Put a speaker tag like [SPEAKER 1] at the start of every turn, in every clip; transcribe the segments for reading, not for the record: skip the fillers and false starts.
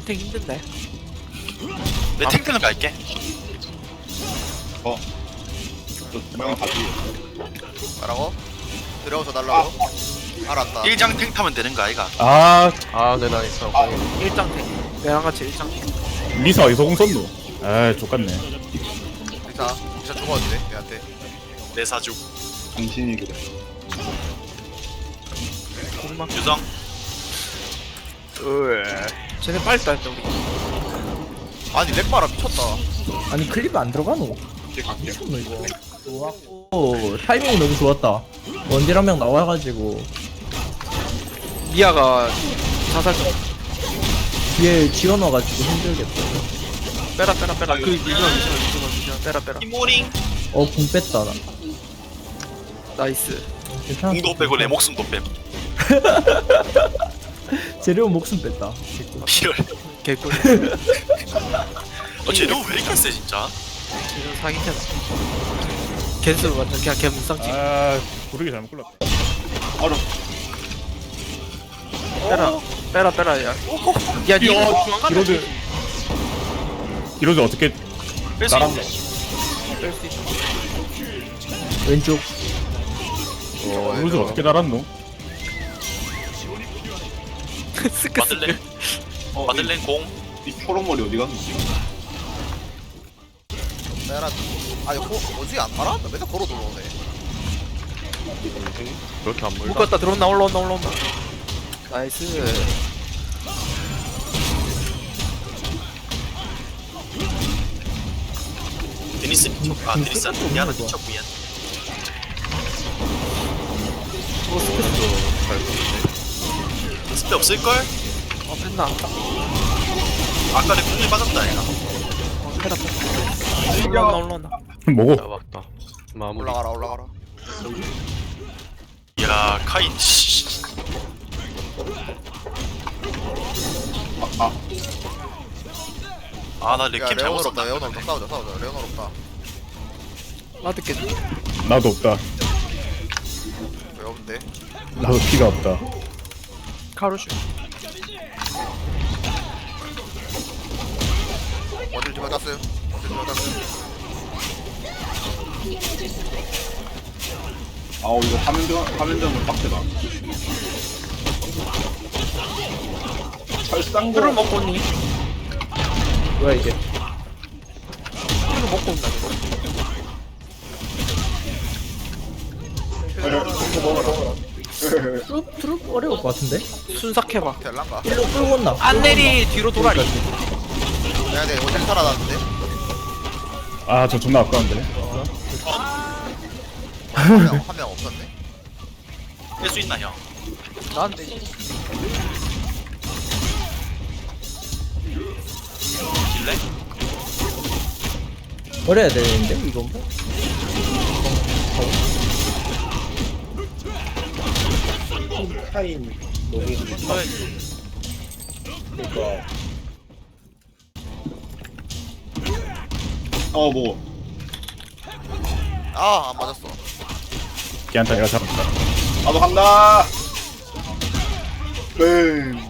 [SPEAKER 1] 탱탱 힘든데.
[SPEAKER 2] 내 탱탱을 갈게.
[SPEAKER 3] 뭐라고? 들어오서 달라고? 알았다.
[SPEAKER 2] 1장 탱 타면 되는 거 아이가?
[SPEAKER 4] 네, 나 있어.
[SPEAKER 1] 일장 탱. 내랑 같이 일장 탱.
[SPEAKER 5] 리사 어디서 공 썼노? 아 족같네.
[SPEAKER 3] 리사 죽었는데 얘한테.
[SPEAKER 2] 내 사주.
[SPEAKER 6] 당신이 그래.
[SPEAKER 1] 공막.
[SPEAKER 2] 유성.
[SPEAKER 1] 쟤네 빨리 따했다 우리.
[SPEAKER 3] 아니 렉바라 미쳤다.
[SPEAKER 7] 아니 클립 안 들어가노?
[SPEAKER 6] 이제 갈게요.
[SPEAKER 7] 미쳤노 이거. 좋았고 타이밍이 너무 좋았다. 원딜 한 명 나와가지고
[SPEAKER 1] 미아가 자살 좀.
[SPEAKER 7] 뒤에 지원 와가지고 힘들겠다.
[SPEAKER 1] 빼라. 그 미션. 빼라.
[SPEAKER 2] 이모링.
[SPEAKER 7] 공 뺐다 나.
[SPEAKER 1] 나이스.
[SPEAKER 7] 괜찮아.
[SPEAKER 2] 공도 빼고 내 목숨도 뺨.
[SPEAKER 7] 재료 목숨 뺐다.
[SPEAKER 2] 이럴.
[SPEAKER 1] 개꿀.
[SPEAKER 2] 쟤는 왜 이렇게 세 진짜?
[SPEAKER 1] 이런 사기캐. 겐스 완전 그냥 개 무쌍지.
[SPEAKER 5] 아 부르기 잘못 골랐다.
[SPEAKER 1] 빼라. 야. 야, 니 중앙 가면
[SPEAKER 5] 이로드 이로드 어떻게
[SPEAKER 2] 뺄수
[SPEAKER 5] 나랑
[SPEAKER 2] 있네.
[SPEAKER 1] 뺄수 있어.
[SPEAKER 7] 왼쪽.
[SPEAKER 5] 이로드 어떻게 달았노?
[SPEAKER 1] 스크.
[SPEAKER 2] 마들렌. 마들렌 공.
[SPEAKER 6] 이 초록머리 어디 갔노?
[SPEAKER 3] 내가 아니 어디 안 말았다. 맨날 걸어 들어오네.
[SPEAKER 4] 그렇게 안 물다.
[SPEAKER 1] 묶었다. 들어온다. 올라온다. 나이스.
[SPEAKER 2] 데니스 미쳤. 아 데니스 미안해 미쳤고 미안. 스페 없을걸?
[SPEAKER 1] 뺐나?
[SPEAKER 2] 아까 내 공이 빠졌다 얘가.
[SPEAKER 1] 빼라. 올라온다.
[SPEAKER 5] 뭐고?
[SPEAKER 4] 잡았다. 마무리.
[SPEAKER 3] 올라가라.
[SPEAKER 2] 야 카인 씨. 아나
[SPEAKER 3] 야
[SPEAKER 2] 렉캠 잘못 썼다.
[SPEAKER 3] 레오노 없다. 싸우자. 레오노 없다.
[SPEAKER 1] 나도 깼.
[SPEAKER 5] 나도 없다.
[SPEAKER 3] 왜 없는데?
[SPEAKER 5] 나도 피가 없다.
[SPEAKER 1] 카루슈.
[SPEAKER 3] 어딜 좀 맞았어요?
[SPEAKER 6] 아우 이거 화면전은 빡세다. 철상고.
[SPEAKER 1] 술을 먹고 온니?
[SPEAKER 7] 뭐야 이게?
[SPEAKER 1] 술을 먹고 온다.
[SPEAKER 7] 트룹 어려울 것 같은데?
[SPEAKER 1] 순삭해봐.
[SPEAKER 3] 텔란가?
[SPEAKER 7] 일로 끌고 온나?
[SPEAKER 1] 안 내리 뒤로 돌아리.
[SPEAKER 3] 내가 내 어딜 살아났는데?
[SPEAKER 5] 아 저 존나 아까운데.
[SPEAKER 3] 한 명 없었네.
[SPEAKER 2] 뺄 수 있나 형?
[SPEAKER 1] 나한테.
[SPEAKER 2] 길래?
[SPEAKER 7] 어려야 되는데 이건 뭐?
[SPEAKER 6] 뭐.
[SPEAKER 3] 안 맞았어.
[SPEAKER 5] 걔한테 내가 잡았다.
[SPEAKER 6] 나도 간다. 뱅.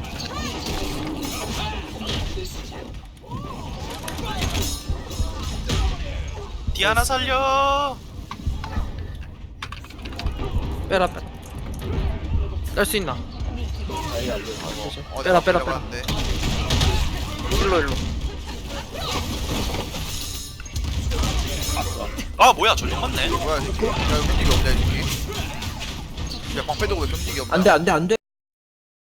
[SPEAKER 2] 디아나 살려.
[SPEAKER 1] 빼라. 뺄 수 있나?
[SPEAKER 3] 내가
[SPEAKER 1] 빼라.
[SPEAKER 3] 맞았는데.
[SPEAKER 1] 일로.
[SPEAKER 2] 아 뭐야 전력 맞네.
[SPEAKER 3] 뭐야 이 새끼? 야 경직이 없냐 이 새끼? 야 방패 도고 왜 경직이 없냐?
[SPEAKER 7] 안돼.